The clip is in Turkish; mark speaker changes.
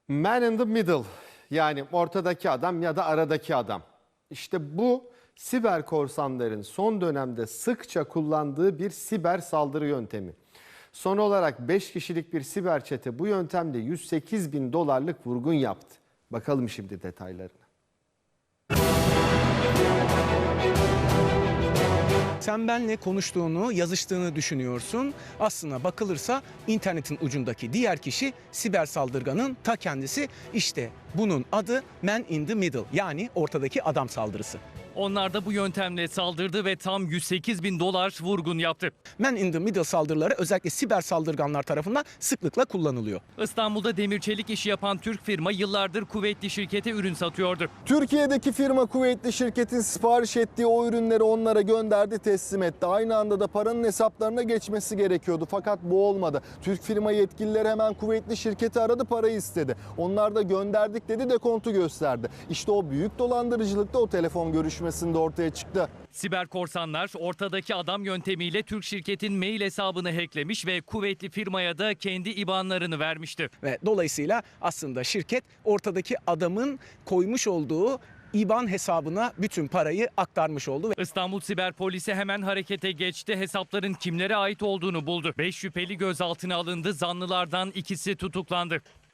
Speaker 1: Man in the middle, yani ortadaki adam ya da aradaki adam. İşte bu siber korsanların son dönemde sıkça kullandığı bir siber saldırı yöntemi. Son olarak 5 kişilik bir siber çete bu yöntemle 108 bin dolarlık vurgun yaptı. Bakalım şimdi detaylarına.
Speaker 2: Sen benle konuştuğunu, yazıştığını düşünüyorsun. Aslına bakılırsa internetin ucundaki diğer kişi siber saldırganın ta kendisi. İşte bunun adı Man in the Middle, yani ortadaki adam saldırısı.
Speaker 3: Onlar da bu yöntemle saldırdı ve tam 108 bin dolar vurgun yaptı.
Speaker 2: Man in the Middle saldırıları özellikle siber saldırganlar tarafından sıklıkla kullanılıyor.
Speaker 3: İstanbul'da demir çelik işi yapan Türk firma yıllardır kuvvetli şirkete ürün satıyordu.
Speaker 4: Türkiye'deki firma kuvvetli şirketin sipariş ettiği o ürünleri onlara gönderdi, teslim etti. Aynı anda da paranın hesaplarına geçmesi gerekiyordu. Fakat bu olmadı. Türk firma yetkilileri hemen kuvvetli şirketi aradı, parayı istedi. Onlar da gönderdik dedi, dekontu gösterdi. İşte o büyük dolandırıcılıkta o telefon görüşmesinde ortaya çıktı.
Speaker 3: Siber korsanlar ortadaki adam yöntemiyle Türk şirketin mail hesabını hacklemiş ve kuvvetli firmaya da kendi IBAN'larını vermişti.
Speaker 2: Ve dolayısıyla aslında şirket ortadaki adamın koymuş olduğu IBAN hesabına bütün parayı aktarmış oldu.
Speaker 3: İstanbul Siber Polisi hemen harekete geçti. Hesapların kimlere ait olduğunu buldu. 5 şüpheli gözaltına alındı. Zanlılardan ikisi tutuklandı.